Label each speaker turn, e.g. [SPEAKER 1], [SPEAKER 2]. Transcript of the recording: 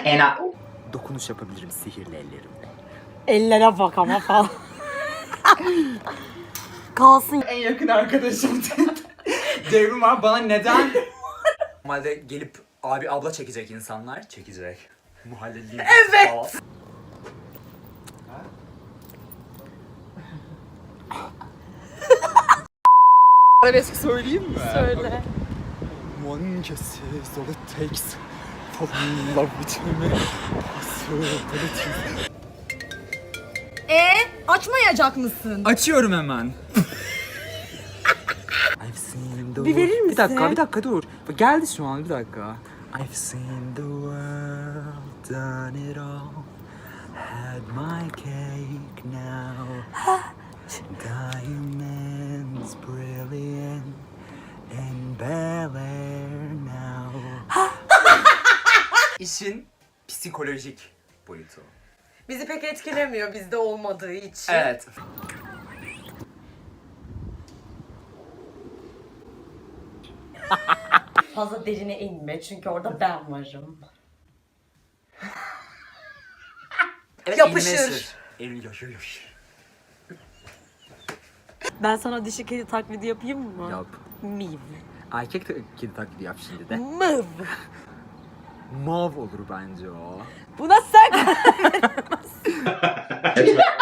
[SPEAKER 1] Dokunuş yapabilirim sihirli ellerimle.
[SPEAKER 2] Ellere bak ama falan. Kalsın.
[SPEAKER 1] En yakın arkadaşım Devrim abi bana neden? Normalde gelip abi abla çekecek insanlar. Çekecek. Muhalleliyim. Evet. Arabesk söyleyeyim mi?
[SPEAKER 2] Söyle.
[SPEAKER 1] One kiss is all it takes. Fall in love with me. Possibilities.
[SPEAKER 2] Açmayacak mısın?
[SPEAKER 1] Açıyorum hemen. I've seen the
[SPEAKER 2] Bir verir misin?
[SPEAKER 1] Bir dakika dur. Bak geldi şu an bir dakika. I've seen the world, done it all. Had my cake now. Diamonds brilliant in Bel Air now. İşin psikolojik boyutu.
[SPEAKER 2] Bizi pek etkilemiyor bizde olmadığı için.
[SPEAKER 1] Evet.
[SPEAKER 2] Fazla derine inme çünkü orada ben varım.
[SPEAKER 1] Evet,
[SPEAKER 2] Yapışır.
[SPEAKER 1] Yapışır.
[SPEAKER 2] Ben sana dişi kedi taklidi yapayım mı?
[SPEAKER 1] Yap.
[SPEAKER 2] Miv.
[SPEAKER 1] Erkek kedi taklidi yap şimdi de.
[SPEAKER 2] Mıv.
[SPEAKER 1] Mav olur bence o.
[SPEAKER 2] Buna sen